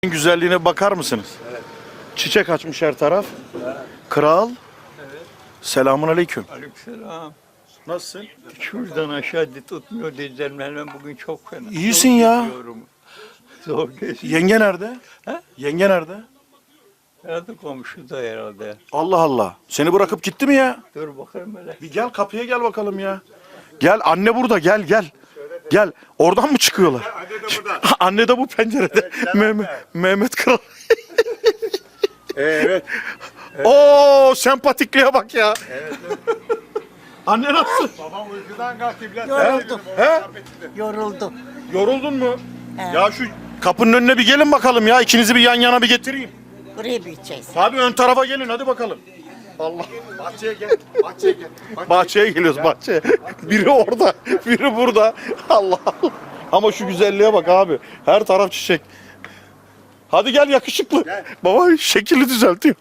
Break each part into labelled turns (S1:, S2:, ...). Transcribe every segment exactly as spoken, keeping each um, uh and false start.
S1: Güzelliğine bakar mısınız?
S2: Evet.
S1: Çiçek açmış her taraf.
S2: Evet.
S1: Kral.
S2: Evet.
S1: Selamun aleyküm.
S2: Aleykümselam.
S1: Nasılsın?
S2: Şuradan aşağı tutmuyor dizlerim bugün çok fena.
S1: İyisin
S2: Zor
S1: ya.
S2: geziyorum. Zor geziyorum.
S1: Yenge nerede?
S2: He?
S1: Yenge nerede?
S2: Herhalde komşuda herhalde.
S1: Allah Allah. Seni bırakıp gitti mi ya?
S2: Dur bakalım hele.
S1: Bir gel kapıya gel bakalım ya. Gel anne burada gel gel. Gel. Oradan mı çıkıyorlar?
S3: Anne de burada.
S1: Anne de bu pencerede. Mehmet, Mehmet Kral.
S3: Evet.
S1: Oo sempatikliğe bak ya.
S3: Evet.
S1: Anne nasıl?
S3: Babam uykudan kalktı biraz.
S4: Yoruldum.
S1: He?
S4: Yoruldum.
S1: Yoruldun mu?
S4: He.
S1: Ya şu kapının önüne bir gelin bakalım ya. İkinizi bir yan yana bir getireyim.
S4: Buraya bir içeceğiz.
S1: Abi ön tarafa gelin hadi bakalım. Allah.
S3: Bahçeye gel. Bahçeye gel.
S1: Bahçeye geliyoruz bahçeye. Biri orada, biri burada. Allah Allah. Ama şu güzelliğe bak abi. Her taraf çiçek. Hadi gel yakışıklı.
S3: Gel.
S1: Baba şekili düzeltiyor.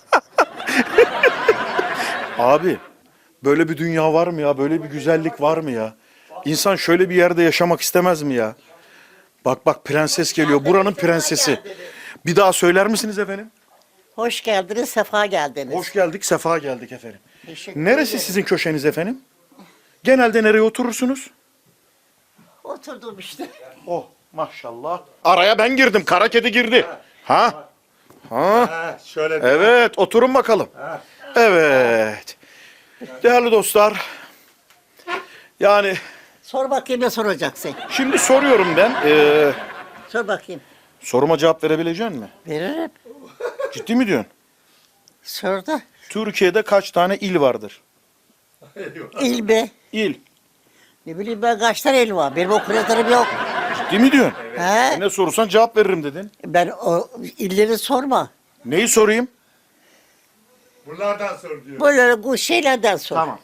S1: Abi böyle bir dünya var mı ya? Böyle bir güzellik var mı ya? İnsan şöyle bir yerde yaşamak istemez mi ya? Bak bak prenses geliyor. Buranın prensesi. Bir daha söyler misiniz efendim?
S4: Hoş geldiniz, sefa geldiniz.
S1: Hoş geldik, sefa geldik efendim.
S4: Teşekkür
S1: Neresi
S4: ederim.
S1: sizin köşeniz efendim? Genelde nereye oturursunuz?
S4: Oturdum işte.
S1: Oh maşallah. Araya ben girdim, kara kedi girdi. Ha? Ha?
S3: Ha, şöyle bir.
S1: Evet, oturun bakalım.
S3: Ha.
S1: Evet. Değerli dostlar, yani
S4: Sor bakayım ne soracaksın?
S1: şimdi soruyorum ben. Ee,
S4: Sor bakayım.
S1: soruma cevap verebilecek misin?
S4: Veririm.
S1: Ciddi mi diyorsun?
S4: Sor da.
S1: Türkiye'de kaç tane il vardır?
S4: İl be.
S1: İl.
S4: Ne bileyim ben kaç tane il var. Benim okuryatlarım yok.
S1: Ciddi mi diyorsun?
S4: He?
S1: Ne sorursan cevap veririm dedin.
S4: Ben o illeri sorma.
S1: Neyi sorayım?
S3: Bunlardan sor diyor.
S4: Böyle bu şeylerden sor.
S1: Tamam.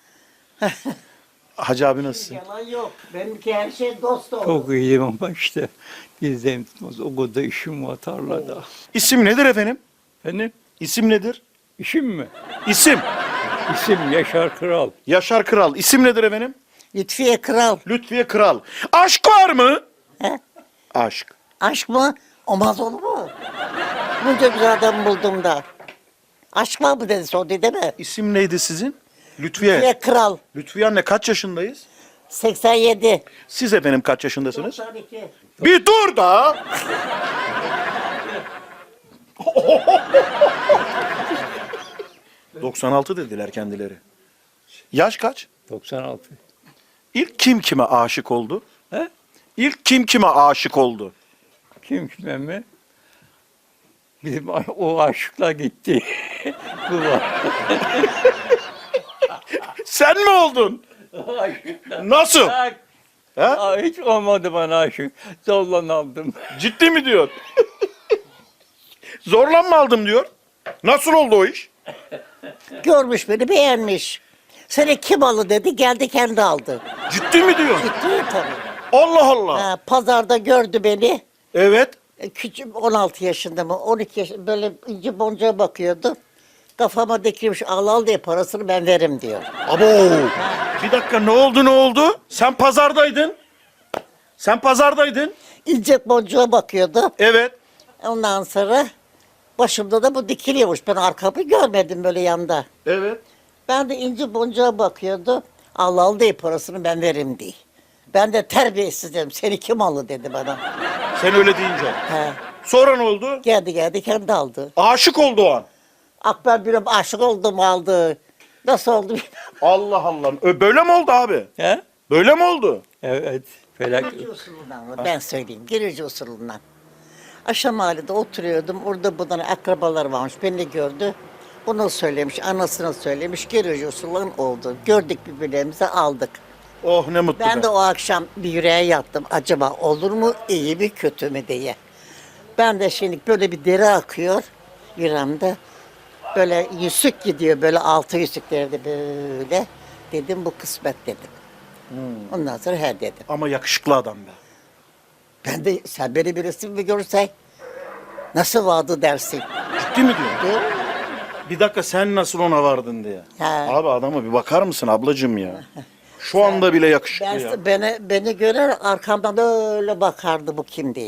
S1: Hacı abi nasılsın?
S4: Yalan yok. Benimki her şey dost olur.
S2: Çok iyiyim ama işte dizlerim tutmaz. O kadar işim var tarlada.
S1: İsim nedir efendim?
S2: Benim
S1: İsim nedir?
S2: işim mi?
S1: İsim.
S2: İsim Yaşar Kral.
S1: Yaşar Kral. İsim nedir efendim?
S4: Lütfiye Kral.
S1: Lütfiye Kral. Aşk var mı?
S4: He?
S1: Aşk.
S4: Aşk mı? Olmaz olur mu? Bunca güzel adam buldum da. Aşk var mı dedi sordu değil mi?
S1: İsim neydi sizin? Lütfiye.
S4: Lütfiye Kral.
S1: Lütfiye anne kaç yaşındayız?
S4: seksen yedi.
S1: Siz efendim kaç yaşındasınız?
S4: doksan iki.
S1: Bir dur da. doksan altı dediler kendileri. Yaş kaç?
S2: doksan altı.
S1: İlk kim kime aşık oldu?
S2: He?
S1: İlk kim kime aşık oldu?
S2: Kim kime mi? Bizim o aşıkla gitti. Bu var.
S1: Sen mi oldun? Nasıl?
S2: Bak,
S1: He?
S2: aa, hiç olmadı bana aşık. Zorla aldım.
S1: Ciddi mi diyor? Zorla mı aldım diyor. Nasıl oldu o iş?
S4: Görmüş beni beğenmiş. Seni kim aldı dedi geldi kendi aldı.
S1: Ciddi mi diyor?
S4: Ciddi tabii.
S1: Allah Allah.
S4: Ha, pazarda gördü beni.
S1: Evet.
S4: E, Küçük on altı yaşında mı on iki yaşında böyle inci boncuğa bakıyordu. Kafama dikilmiş al al diye parasını ben veririm diyor.
S1: Abo. Bir dakika ne oldu ne oldu? Sen pazardaydın. Sen pazardaydın.
S4: İnce boncuğa bakıyordu.
S1: Evet.
S4: Ondan sonra başımda da bu dikiliyormuş. Ben arkamı görmedim böyle yanda.
S1: Evet.
S4: Ben de inci boncuğa bakıyordu. Al al diye parasını ben veririm diye. Ben de terbiyesiz dedim. Seni kim aldı dedi bana.
S1: Sen öyle deyince.
S4: He.
S1: Sonra ne oldu?
S4: Geldi geldi kendi aldı.
S1: Aşık oldu o an.
S4: Akber bir aşık oldum aldı. Nasıl oldu bilmem.
S1: Allah Allah. Ö, Böyle mi oldu abi?
S2: He?
S1: Böyle mi oldu?
S2: Evet. Felak.
S4: Girici usulünden mı? Ben söyleyeyim. Girici usulünden. Aşağı mahallede oturuyordum. Orada bunların akrabalar varmış. Beni gördü. Bunu söylemiş, anasına söylemiş. Girici usulünden oldu. Gördük birbirlerimizi aldık.
S1: Oh ne mutlu.
S4: Ben
S1: be.
S4: de o akşam bir yüreğe yattım. Acaba olur mu, iyi mi, kötü mü diye. Ben de şimdi böyle bir deri akıyor yüreğimde. Böyle yüzük gidiyor, böyle altı yüzüklerde böyle. Dedim bu kısmet dedim. Ondan sonra he dedim.
S1: Ama yakışıklı adam be.
S4: Ben de sen beni bir resim mi görsen nasıl vardı dersin.
S1: Ciddi mi diyorsun?
S4: Değil mi?
S1: Bir dakika sen nasıl ona vardın diye.
S4: He.
S1: Abi adama bir bakar mısın ablacığım ya? Şu anda bile yakışıklı
S4: Ben,
S1: ya.
S4: beni, beni görer arkamdan öyle bakardı bu kim diye.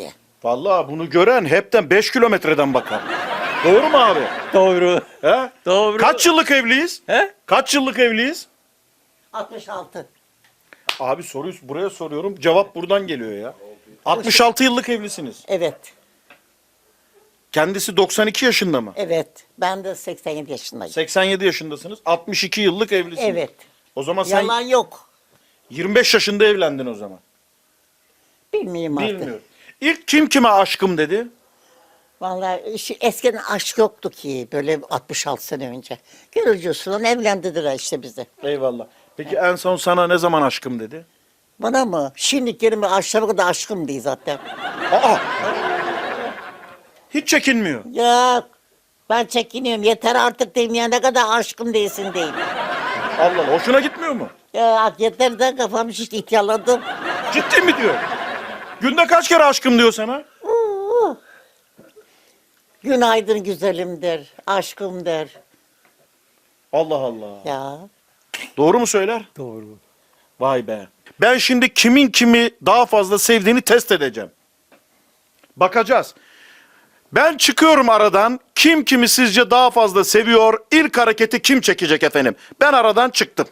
S1: Vallahi bunu gören hepten beş kilometreden bakar. Doğru mu abi?
S2: Doğru.
S1: He?
S2: Doğru.
S1: Kaç yıllık evliyiz?
S2: He?
S1: Kaç yıllık evliyiz?
S4: altmış altı.
S1: Abi soruyu buraya soruyorum. Cevap buradan geliyor ya. altmış altı yıllık evlisiniz.
S4: Evet.
S1: Kendisi doksan iki yaşında mı?
S4: Evet. Ben de seksen yedi yaşındayım.
S1: seksen yedi yaşındasınız. altmış iki yıllık evlisiniz.
S4: Evet.
S1: O zaman sen
S4: Yalan yok.
S1: yirmi beş yaşında evlendin o zaman.
S4: Bilmiyorum artık.
S1: Bilmiyorum. İlk kim kime aşkım dedi?
S4: Vallahi şu eskiden aşk yoktu ki böyle altmış altı sene önce. Görücü usulü evlendirdiler işte bizi.
S1: Eyvallah. Peki en son sana ne zaman aşkım dedi?
S4: Bana mı? Şimdi kelime aşağı kadar aşkım değil zaten.
S1: Aa! Hiç çekinmiyor.
S4: Ya ben çekiniyorum. Yeter artık diyeyim ya ne kadar aşkım değilsin diyeyim.
S1: Allah Allah. Hoşuna gitmiyor mu?
S4: Ya yeter de kafam şişti ihtiyarladım.
S1: Ciddi mi diyor? Günde kaç kere aşkım diyor sana?
S4: Oo. Günaydın güzelim der. Aşkım der.
S1: Allah Allah.
S4: Ya.
S1: Doğru mu söyler?
S2: Doğru.
S1: Vay be. Ben şimdi kimin kimi daha fazla sevdiğini test edeceğim. Bakacağız. Ben çıkıyorum aradan. Kim kimi sizce daha fazla seviyor? İlk hareketi kim çekecek efendim? Ben aradan çıktım.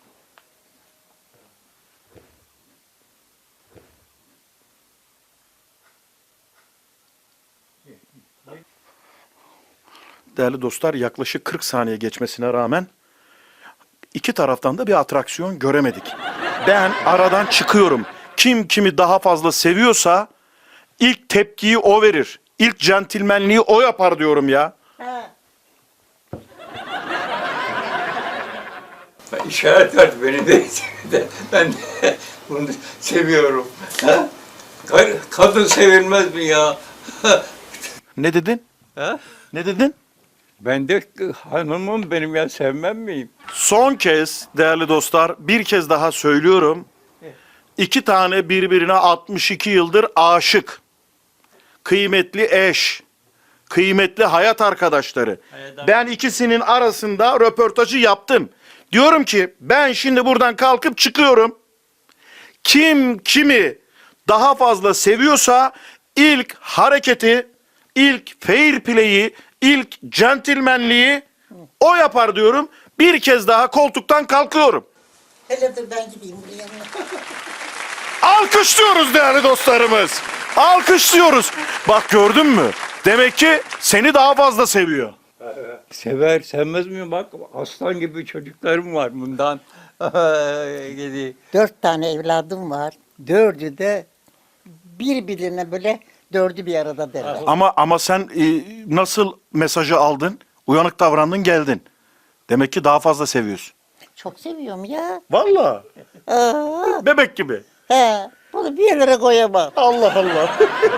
S1: Değerli dostlar, yaklaşık kırk saniye geçmesine rağmen iki taraftan da bir atraksiyon göremedik. Ben aradan çıkıyorum. Kim kimi daha fazla seviyorsa ilk tepkiyi o verir. İlk centilmenliği o yapar diyorum ya.
S4: Ha.
S2: Ben işaret verdi beni de. de- Ben de bunu seviyorum. Ha? Ka- Kadın sevilmez mi ya?
S1: Ne dedin?
S2: Ha?
S1: Ne dedin?
S2: Ben de hanımım benim ya sevmem miyim?
S1: Son kez değerli dostlar bir kez daha söylüyorum. İki tane birbirine altmış iki yıldır aşık. Kıymetli eş. Kıymetli hayat arkadaşları. Ben ikisinin arasında röportajı yaptım. Diyorum ki ben şimdi buradan kalkıp çıkıyorum. Kim kimi daha fazla seviyorsa ilk hareketi, ilk fair play'i, ilk centilmenliği o yapar diyorum. Bir kez daha koltuktan kalkıyorum.
S4: Hele dur ben gideyim buraya.
S1: Alkışlıyoruz değerli dostlarımız. Alkışlıyoruz. Bak gördün mü? Demek ki seni daha fazla seviyor.
S2: Sever, sevmez mi? Bak aslan gibi çocuklarım var bundan. Gidi.
S4: Dört tane evladım var. Dördü de birbirine böyle dördü bir arada derler.
S1: Ama ama sen e, nasıl mesajı aldın? Uyanık davrandın geldin. Demek ki daha fazla seviyorsun.
S4: Çok seviyorum ya.
S1: Vallahi.
S4: Aa,
S1: Bebek gibi.
S4: he, bunu bir yerlere koyamam.
S1: Allah Allah.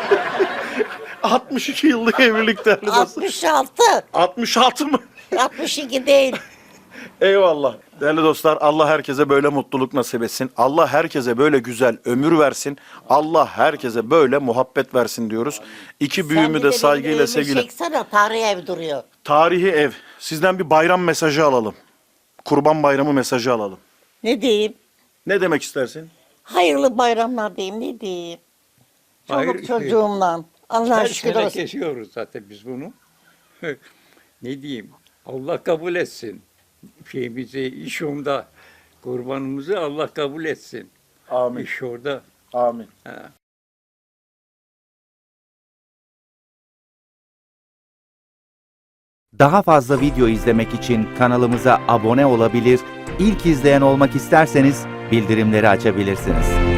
S1: altmış iki yıllık evlilik değerli dostlar.
S4: altmış altı.
S1: altmış altı mı?
S4: altmış iki değil.
S1: Eyvallah. Değerli dostlar Allah herkese böyle mutluluk nasip etsin. Allah herkese böyle güzel ömür versin. Allah herkese böyle muhabbet versin diyoruz. İki büyüğümü de saygıyla sevgiyle.
S4: Çeksene tarihi ev duruyor.
S1: Tarihi ev. Sizden bir bayram mesajı alalım. Kurban bayramı mesajı alalım.
S4: Ne diyeyim?
S1: Ne demek istersin?
S4: Hayırlı bayramlar diyeyim ne diyeyim? Çoluk
S2: Hayır.
S4: çocuğumla. Allah'a
S2: Her
S4: şükür
S2: sene
S4: olsun.
S2: kesiyoruz zaten biz bunu. Ne diyeyim? Allah kabul etsin. Şeyimizi, iş onda. Kurbanımızı Allah kabul etsin.
S1: Amin.
S2: İş orada.
S1: Amin.
S2: Ha.
S5: Daha fazla video izlemek için kanalımıza abone olabilir, ilk izleyen olmak isterseniz bildirimleri açabilirsiniz.